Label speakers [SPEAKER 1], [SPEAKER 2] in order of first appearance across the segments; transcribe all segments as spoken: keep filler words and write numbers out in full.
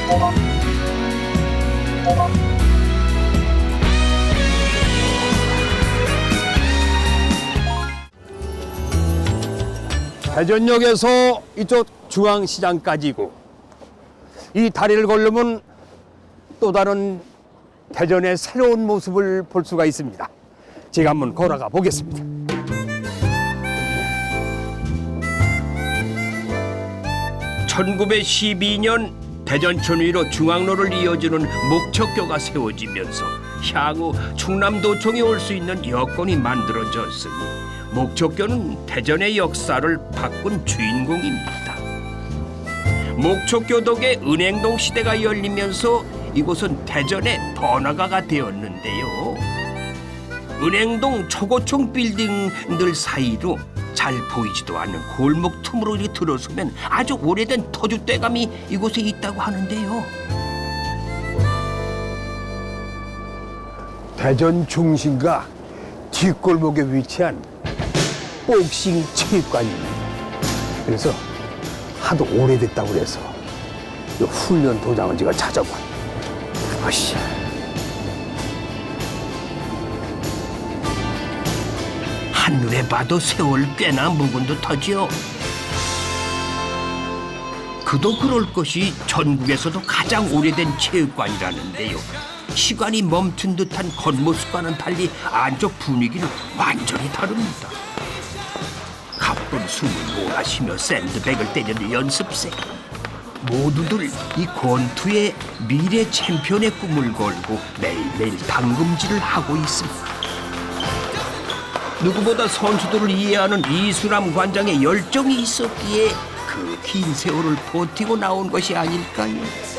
[SPEAKER 1] 대전역에서 이쪽 중앙시장까지고 이 다리를 걸으면 또 다른 대전의 새로운 모습을 볼 수가 있습니다. 제가 한번 걸어가 보겠습니다. 천구백십이 년 대전천 위로 중앙로를 이어주는 목척교가 세워지면서 향후 충남도청에 올 수 있는 여건이 만들어졌으니 목척교는 대전의 역사를 바꾼 주인공입니다. 목척교 덕에 은행동 시대가 열리면서 이곳은 대전의 번화가가 되었는데요. 은행동 초고층 빌딩들 사이로 잘 보이지도 않는 골목 틈으로 이렇게 들어서면 아주 오래된 터줏대감이 이곳에 있다고 하는데요. 대전 중심가 뒷골목에 위치한 복싱 체육관입니다. 그래서 하도 오래됐다고 그래서 이 훈련 도장을 제가 찾아봐. 아씨. 한눈에 봐도 세월 꽤나 묵은 듯하지요. 그도 그럴 것이 전국에서도 가장 오래된 체육관이라는데요. 시간이 멈춘 듯한 겉모습과는 달리 안쪽 분위기는 완전히 다릅니다. 가쁜 숨을 몰아쉬며 샌드백을 때리는 연습생. 모두들 이 권투의 미래 챔피언의 꿈을 걸고 매일매일 당금질을 하고 있습니다. 누구보다 선수들을 이해하는 이수남 관장의 열정이 있었기에 그 긴 세월을 버티고 나온 것이 아닐까요?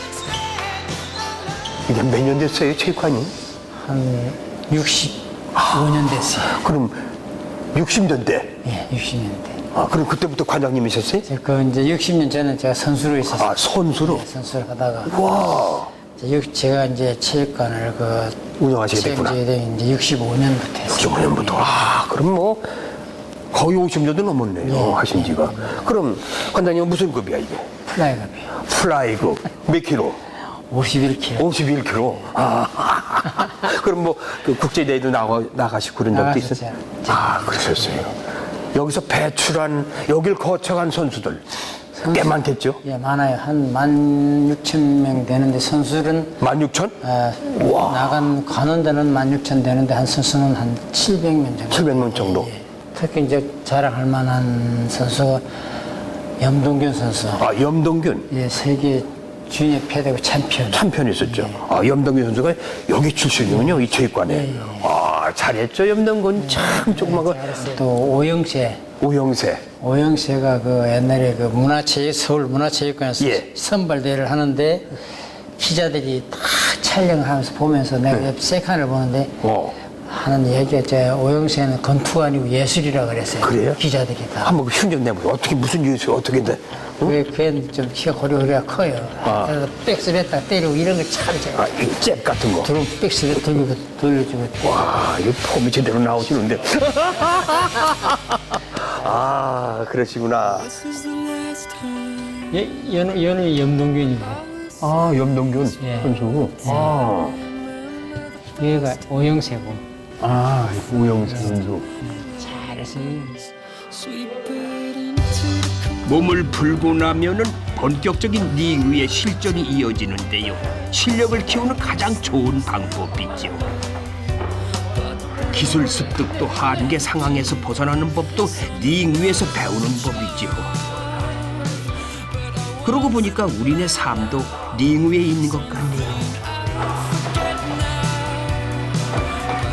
[SPEAKER 1] 이게 몇 년 됐어요, 체육관이?
[SPEAKER 2] 한 육십오 년 됐어요.
[SPEAKER 1] 그럼 육십 년대?
[SPEAKER 2] 예, 육십 년대.
[SPEAKER 1] 아, 그럼 그때부터 관장님이셨어요?
[SPEAKER 2] 그 이제 육십 년 전에 제가 선수로 있었어요.
[SPEAKER 1] 아, 선수로?
[SPEAKER 2] 예, 선수를 하다가.
[SPEAKER 1] 와.
[SPEAKER 2] 이제 육- 제가 이제 체육관을 그
[SPEAKER 1] 운영하시게 됐구나.
[SPEAKER 2] 체육관에 이제 육십오 년부터 했어요.
[SPEAKER 1] 육십오 년부터. 아, 그럼 뭐 거의 오십 년도 넘었네요,
[SPEAKER 2] 예.
[SPEAKER 1] 하신 지가. 그럼 관장님은 무슨 급이야, 이게?
[SPEAKER 2] 플라이급이요.
[SPEAKER 1] 플라이급. 몇 킬로?
[SPEAKER 2] 오십일 킬로그램.
[SPEAKER 1] 오십일 킬로. 아. 그럼 뭐 그 국제대회도 나가, 나가시고 그런 적도 있어요?
[SPEAKER 2] 나갔었죠.
[SPEAKER 1] 아, 그러셨어요. 여기서 배출한, 여길 거쳐간 선수들 꽤 많겠죠?
[SPEAKER 2] 예, 많아요. 한 만 육천 명 되는데 선수는
[SPEAKER 1] 만 육천?
[SPEAKER 2] 아,
[SPEAKER 1] 우와.
[SPEAKER 2] 나간 가는 데는 만 육천 되는데 한 선수는 한 칠백 명 정도.
[SPEAKER 1] 칠백 명 정도.
[SPEAKER 2] 예, 예. 특히 이제 자랑할 만한 선수가 염동균 선수.
[SPEAKER 1] 아, 염동균.
[SPEAKER 2] 예, 세계 주니어 패대고 챔피언.
[SPEAKER 1] 참편이 있었죠. 아, 염동균 선수가 여기 출신이군요, 이 체육관에.
[SPEAKER 2] 예, 예.
[SPEAKER 1] 아, 잘했죠, 염동균. 참 조그만 거.
[SPEAKER 2] 또 오영세.
[SPEAKER 1] 오영세.
[SPEAKER 2] 오영세가 그 옛날에 그 문화체육 서울 문화체육관에서
[SPEAKER 1] 예.
[SPEAKER 2] 선발대회를 하는데 기자들이 다 촬영하면서 보면서 내가 옆 세칸을 보는데
[SPEAKER 1] 어.
[SPEAKER 2] 하는 얘기가 제 오영세는 건투가 아니고 예술이라 그랬어요.
[SPEAKER 1] 그래요?
[SPEAKER 2] 기자들이 다.
[SPEAKER 1] 한번 흉내 내보세요. 어떻게, 무슨 이유에서 어떻게 돼?
[SPEAKER 2] 왜 걔는 좀 키가 고리고리가 커요.
[SPEAKER 1] 아.
[SPEAKER 2] 그래서 백스베타 때리고 이런 걸참 제가
[SPEAKER 1] 아, 이잽 같은 거.
[SPEAKER 2] 들어 백스베 돌리고 돌려주고.
[SPEAKER 1] 와, 이 폼이 제대로 나오시는데. 아, 그러시구나.
[SPEAKER 2] 예, 연우 연우 염동균이고
[SPEAKER 1] 아, 염동균
[SPEAKER 2] 예.
[SPEAKER 1] 선수. 아,
[SPEAKER 2] 얘가 오영세고.
[SPEAKER 1] 아, 우영세 선수.
[SPEAKER 2] 잘했어요.
[SPEAKER 3] 몸을 풀고 나면은 본격적인 링 위의 실전이 이어지는데요. 실력을 키우는 가장 좋은 방법이죠. 기술 습득도 한계 상황에서 벗어나는 법도 링 위에서 배우는 법이죠. 그러고 보니까 우리네 삶도 링 위에 있는 것 같네요.